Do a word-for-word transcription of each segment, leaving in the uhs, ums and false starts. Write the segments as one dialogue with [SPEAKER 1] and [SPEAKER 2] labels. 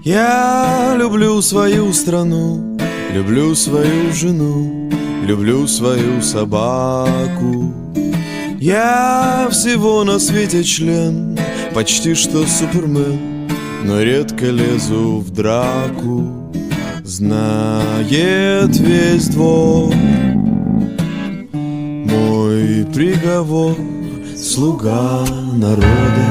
[SPEAKER 1] Я люблю свою страну, люблю свою жену, люблю свою собаку. Я всего на свете член, почти что супермен, но редко лезу в драку. Знает весь двор мой приговор, слуга народа.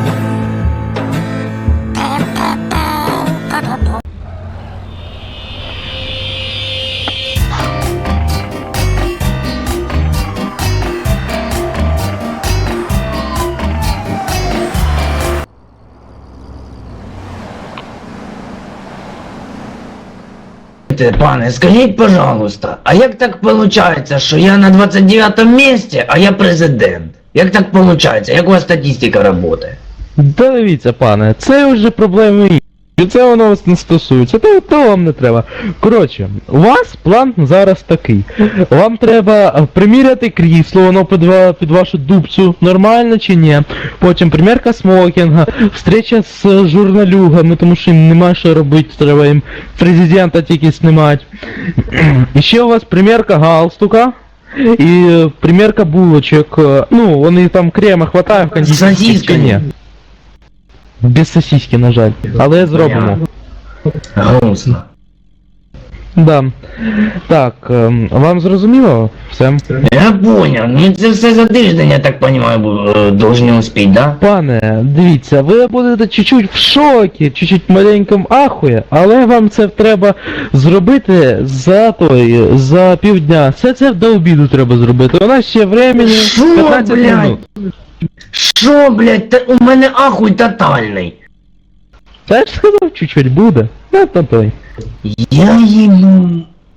[SPEAKER 2] Пане, скажіть, пожалуйста, а як так виходить, що я на двадцять дев'ятому місці, а я президент? Як так виходить? Як у вас статистика працює?
[SPEAKER 3] Та дивіться, пане, це вже проблеми інші. Це воно вас не стосується, то, то вам не треба. Коротше, у вас план зараз такий. Вам треба приміряти крісло, воно під, під вашу дубцю, нормально чи ні. Потім примірка смокінга, встреча з журналюгами, тому що їм нема що робити, треба їм президента тільки знімати. І ще у вас примірка галстука. І примірка булочок. Ну, вони там крема хватає в кондитерській ні. Без сосиски, на жаль. Але зробимо.
[SPEAKER 2] Грустно.
[SPEAKER 3] Да. Так, ем, вам зрозуміло? Все?
[SPEAKER 2] Я понял. Ну це все за тиждень, я так понимаю, должны успеть, да?
[SPEAKER 3] Пане, дивіться, ви будете чуть-чуть в шокі, чуть-чуть маленьком ахує, але вам це треба зробити за той, за півдня. Все це до обіду треба зробити. У нас ще времени п'ятнадцять минут.
[SPEAKER 2] Шо, блядь, та у мене ахуй тотальний.
[SPEAKER 3] Та я ж сказав, чуть-чуть буде. На то той.
[SPEAKER 2] Я їбу.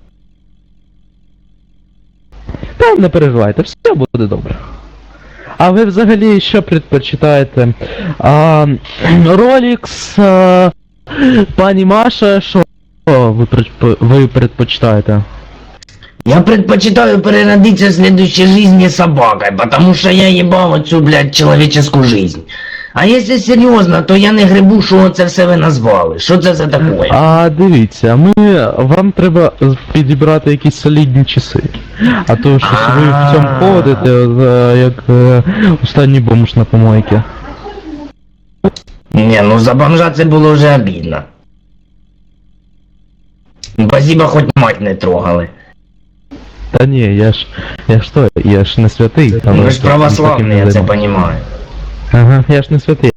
[SPEAKER 3] Та не переживайте, все буде добре. А ви взагалі що предпочитаєте? А, Ролікс, а, пані Маша, що ви, ви предпочитаєте?
[SPEAKER 2] Я предпочитаю переродиться в следующей жизни собакой, потому что я ебал оцю, блядь, человеческую жизнь. А если серйозно, то я не грибу, що це все ви назвали. Що це за таке?
[SPEAKER 3] А дивіться, ми, вам треба підібрати якісь солідні часи. А то щось ви в цьому ходите, як останній бомж на помойці.
[SPEAKER 2] Не, ну за бомжа це було вже обідно. Спасибо, хоч мать не трогали.
[SPEAKER 3] Та ні, я ж, я ж то, я ж не святий. Там
[SPEAKER 2] Ви ж православний, я це понимаю.
[SPEAKER 3] Ага, я ж не святий.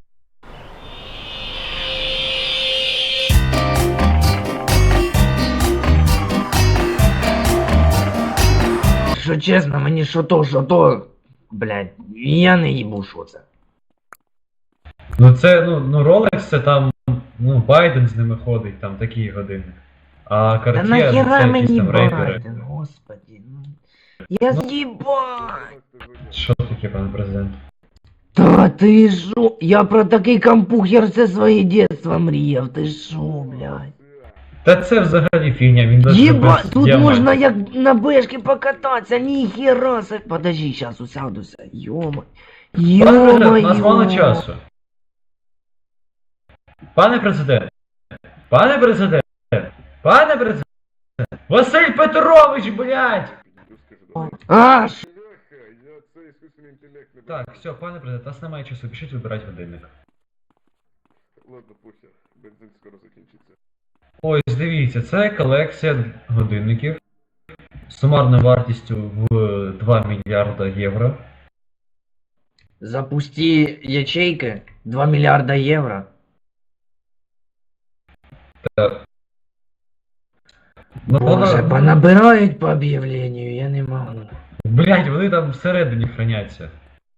[SPEAKER 2] Що чесно, мені що то, що то, блядь, я не їбу, що це.
[SPEAKER 4] Ну це, ну, ну Rolex це там, ну, Байден з ними ходить, там такі години. А
[SPEAKER 2] Та
[SPEAKER 4] Cartier, ну,
[SPEAKER 2] нахера
[SPEAKER 4] це
[SPEAKER 2] мені
[SPEAKER 4] якісь там рейпери.
[SPEAKER 2] Байден, господи. ну. Я з'їбать!
[SPEAKER 4] Що таке, пане президент?
[SPEAKER 2] Та ти шо? Я про такий компухер все своє дитинство мріяв, ти шо, блядь?
[SPEAKER 4] Та це взагалі фігня, він даже
[SPEAKER 2] Єба,
[SPEAKER 4] без
[SPEAKER 2] тут
[SPEAKER 4] діамантів.
[SPEAKER 2] можна як на бешки покататися, ніхера се. Подожди, щас усядуся, йома.
[SPEAKER 4] Пане президент, у нас мало
[SPEAKER 2] Йома.
[SPEAKER 4] часу. Пане президент, пане президент, пане президент, Василь Петрович, блядь!
[SPEAKER 2] А, ш...
[SPEAKER 4] Так, все, пане президент, у нас немає часу, пишіть вибирати годинник.
[SPEAKER 5] Ладно, похер, бензин скоро закінчиться.
[SPEAKER 4] Ось, дивіться, це колекція годинників з сумарною вартістю в два мільярда євро.
[SPEAKER 2] Запусти ячейки, два мільярда євро.
[SPEAKER 4] Так. Ну,
[SPEAKER 2] Боже,
[SPEAKER 4] вона-
[SPEAKER 2] понабирають по об'явленню, я не можу.
[SPEAKER 4] Блять, вони там всередині храняться.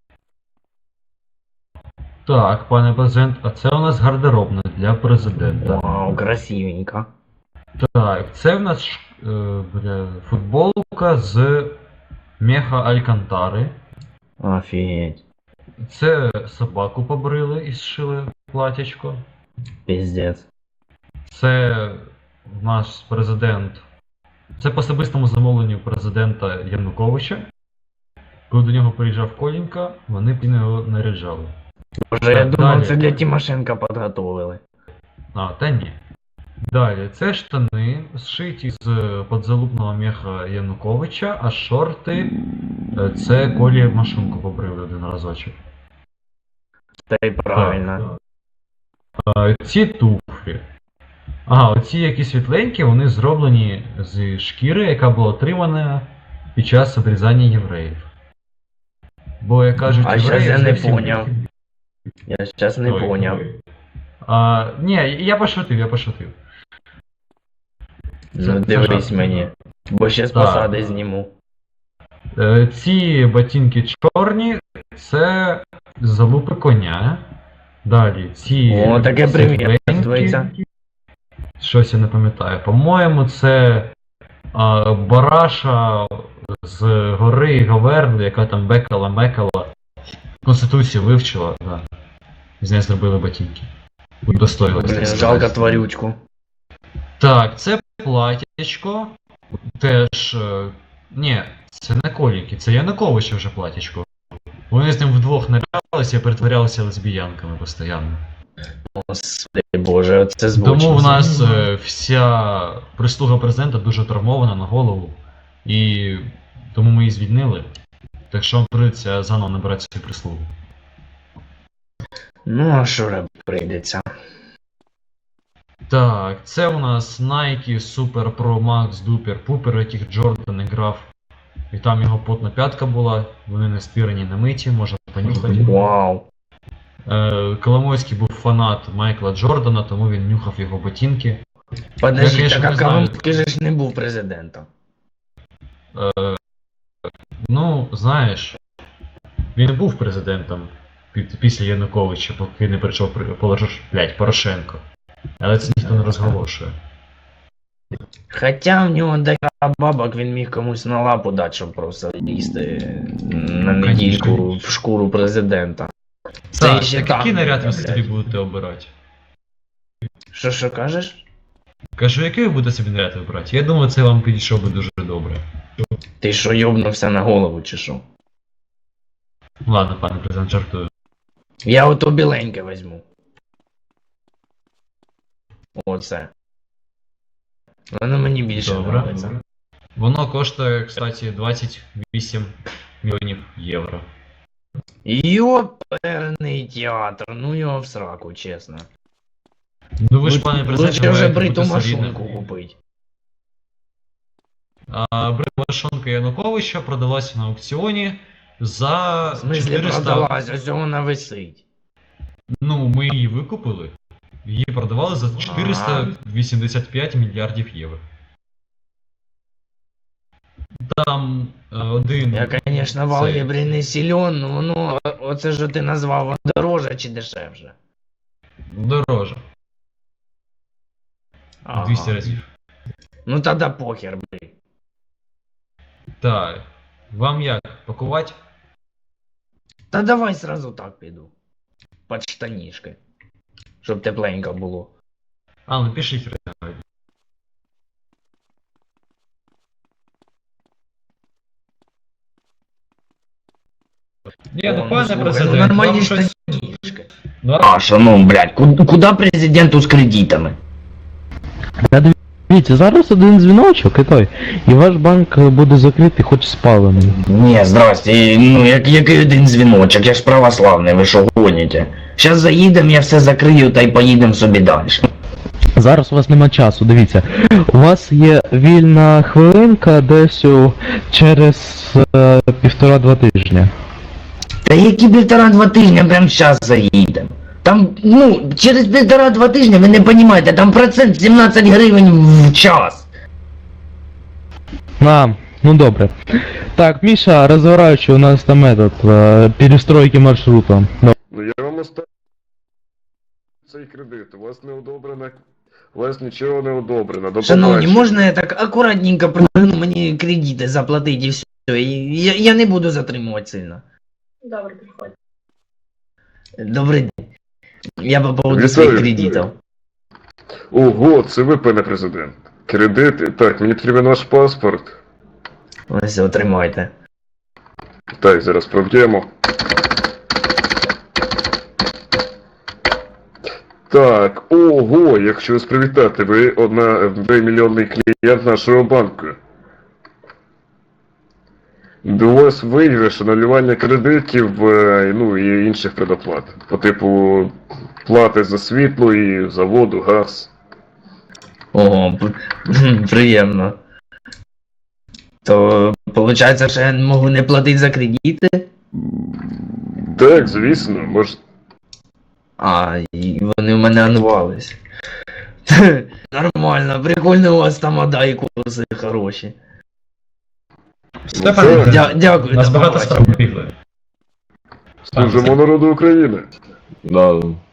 [SPEAKER 4] Так, пане президент, а це у нас гардеробна для президента.
[SPEAKER 2] Вау, красивенько.
[SPEAKER 4] Так, це в нас ш- е, бля, футболка з меха Алькантари.
[SPEAKER 2] Офігеть.
[SPEAKER 4] Це собаку побрили і зшили платячко.
[SPEAKER 2] Пиздец.
[SPEAKER 4] Це наш президент. Це по особистому замовленню президента Януковича. Коли до нього приїжджав Колінка, вони б його наряджали.
[SPEAKER 2] Боже, я
[SPEAKER 4] Так,
[SPEAKER 2] думав,
[SPEAKER 4] далі.
[SPEAKER 2] це для Тимошенка підготовили.
[SPEAKER 4] А, та ні. Далі, це штани, зшиті з подзалупного меха Януковича, а шорти е, це Колі машинку побрили один разочок.
[SPEAKER 2] Та й правильно.
[SPEAKER 4] А, ці туфлі. Ага, оці які світленькі, вони зроблені з шкіри, яка була отримана під час обрізання євреїв. Бо, як кажуть,
[SPEAKER 2] А
[SPEAKER 4] євреї...
[SPEAKER 2] щас я не
[SPEAKER 4] зовсім-
[SPEAKER 2] поняв. Я зараз не
[SPEAKER 4] Ой,
[SPEAKER 2] поняв.
[SPEAKER 4] ой. А, ні, я пошутив, я пошутив.
[SPEAKER 2] Ну
[SPEAKER 4] це
[SPEAKER 2] дивись
[SPEAKER 4] жарт.
[SPEAKER 2] мені. Бо ще з
[SPEAKER 4] Так.
[SPEAKER 2] посади зніму.
[SPEAKER 4] Е, Ці ботинки чорні, це залупи коня. Далі ці
[SPEAKER 2] О, таке
[SPEAKER 4] світленькі.
[SPEAKER 2] примірюється.
[SPEAKER 4] Щось я не пам'ятаю. По-моєму, це а, Бараша з гори Говерли, яка там бекала, мекала. Конституцію вивчила, да. З неї зробили ботинки. Удостоїлися.
[SPEAKER 2] Блін, жалко тварючку.
[SPEAKER 4] Так, це платячко. Теж. е, Ні, це не Коліки, це Януковича вже платячко. Вони з ним вдвох нарялися і перетворялися лесбіянками постійно.
[SPEAKER 2] Господи боже, це збочно.
[SPEAKER 4] Тому в нас е, вся прислуга президента дуже травмована на голову. І тому ми її звільнили. Так що вам прийдеться заново набирати свою прислугу.
[SPEAKER 2] Ну, а що робити прийдеться?
[SPEAKER 4] Так, це у нас Nike Super Pro Max Duper Pooper, в яких Джордан грав. І там його потна п'ятка була, вони не стирані, не миті, можна понюхати.
[SPEAKER 2] Вау.
[SPEAKER 4] Е, Коломойський був фанат Майкла Джордана, тому він нюхав його ботинки.
[SPEAKER 2] Подожди,
[SPEAKER 4] конечно,
[SPEAKER 2] так
[SPEAKER 4] не
[SPEAKER 2] а
[SPEAKER 4] знаю.
[SPEAKER 2] Коломойський же ж не був президентом.
[SPEAKER 4] Е, ну, знаєш, він був президентом під- після Януковича, поки не прийшов при- Порош- блядь, Порошенко. Але це ніхто не розголошує.
[SPEAKER 2] Хоча в нього декілька бабок він міг комусь на лапу дати, щоб просто лізти на недільку
[SPEAKER 4] Конечно.
[SPEAKER 2] в шкуру президента.
[SPEAKER 4] Так,
[SPEAKER 2] ще
[SPEAKER 4] так
[SPEAKER 2] там,
[SPEAKER 4] який наряд ви
[SPEAKER 2] блядь.
[SPEAKER 4] собі будете обирати?
[SPEAKER 2] Що що кажеш?
[SPEAKER 4] Кажу, який ви будете собі наряд вибирати? Я думаю, це вам підійшов би дуже добре.
[SPEAKER 2] Ти що йобнувся на голову чи що?
[SPEAKER 4] Ладно, пане президент, жартую.
[SPEAKER 2] Я ото біленьке візьму. Оце. Воно мені більше
[SPEAKER 4] Добре.
[SPEAKER 2] подобається.
[SPEAKER 4] Воно коштує, кстати, двадцять вісім мільйонів євро.
[SPEAKER 2] Йоперний театр, ну його в сраку, чесно.
[SPEAKER 4] Ну ви ж, пане президент,
[SPEAKER 2] Лучше вже
[SPEAKER 4] маєте
[SPEAKER 2] бриту
[SPEAKER 4] бути солідним.
[SPEAKER 2] машинку купить.
[SPEAKER 4] А бритва Януковича продалася на аукціоні за
[SPEAKER 2] В смислі
[SPEAKER 4] чотириста...
[SPEAKER 2] продалась, ось вона висить.
[SPEAKER 4] Ну, ми її викупили. Її продавали за чотириста вісімдесят п'ять мільярдів євро. Там е, один...
[SPEAKER 2] Я, конечно, в
[SPEAKER 4] цей-
[SPEAKER 2] алгебрі не силен, но воно, оце що ти назвав, воно дороже чи дешевше?
[SPEAKER 4] Дороже.
[SPEAKER 2] Ага.
[SPEAKER 4] двісті разів.
[SPEAKER 2] Ну тогда похер, блин.
[SPEAKER 4] Так. Вам як? Пакувати?
[SPEAKER 2] Та давай сразу так піду. Под штанішки. Щоб тепленько було.
[SPEAKER 4] А, ну пишіть. Ні,
[SPEAKER 2] О,
[SPEAKER 4] ну пане
[SPEAKER 2] слухай,
[SPEAKER 4] президент,
[SPEAKER 2] ну, нормальні
[SPEAKER 4] вам щось...
[SPEAKER 2] штанішки.
[SPEAKER 4] Ну,
[SPEAKER 2] А, що ну, блядь, куди, куди президенту з кредитами?
[SPEAKER 3] Та дивіться, зараз один дзвіночок і той. І ваш банк буде закритий, хоч спалений.
[SPEAKER 2] Ні, здрасте, ну як, який один дзвіночок, я ж православний, ви що гоніте? Щас заїдем, я все закрию та й поїдем собі далі.
[SPEAKER 3] Зараз у вас нема часу, дивіться. У вас є вільна хвилинка десь у- через е, півтора-два тижня.
[SPEAKER 2] Та які півтора-два тижні, прямо зараз заїдем. Там, ну, через півтора-два тижні, ви не розумієте, там процент сімнадцять гривень в час.
[SPEAKER 3] А, ну добре. Так, Міша, розгораючи, у нас там этот, е, перестройки маршрута. Ну,
[SPEAKER 5] Ну я вам оставлю цей кредит. У вас не одобрено. У вас нічого не одобрено. До
[SPEAKER 2] Шановні,
[SPEAKER 5] побачення.
[SPEAKER 2] можна я так акуратненько пригну мені кредити заплатити і все. І Я, я не буду затримувати сильно.
[SPEAKER 6] Добре, приходь.
[SPEAKER 2] Добрий день. Я по поводу
[SPEAKER 5] Вітаю.
[SPEAKER 2] своїх кредитів.
[SPEAKER 5] Ого, це ви, пане президент. Кредити. Так, мені потрібен ваш паспорт.
[SPEAKER 2] Ось, отримайте.
[SPEAKER 5] Так, зараз проб'ємо. Так, ого, якщо вас привітати, ви одна ви мільйонний клієнт нашого банку. До вас виграш, анулювання кредитів, е, ну і інших предоплат. По типу плати за світло і за воду, газ.
[SPEAKER 2] Ого, п- приємно. То, виходить, що я можу не платити за кредити?
[SPEAKER 5] Так, звісно, може.
[SPEAKER 2] А, і вони в мене анувались. Нормально, прикольно у вас там ада і курси хороші.
[SPEAKER 4] Степан,
[SPEAKER 5] Так.
[SPEAKER 2] Дя- дякую,
[SPEAKER 4] у нас
[SPEAKER 2] до
[SPEAKER 4] багато
[SPEAKER 2] побачення.
[SPEAKER 4] справ бігли.
[SPEAKER 5] Служимо народу України.
[SPEAKER 1] Да,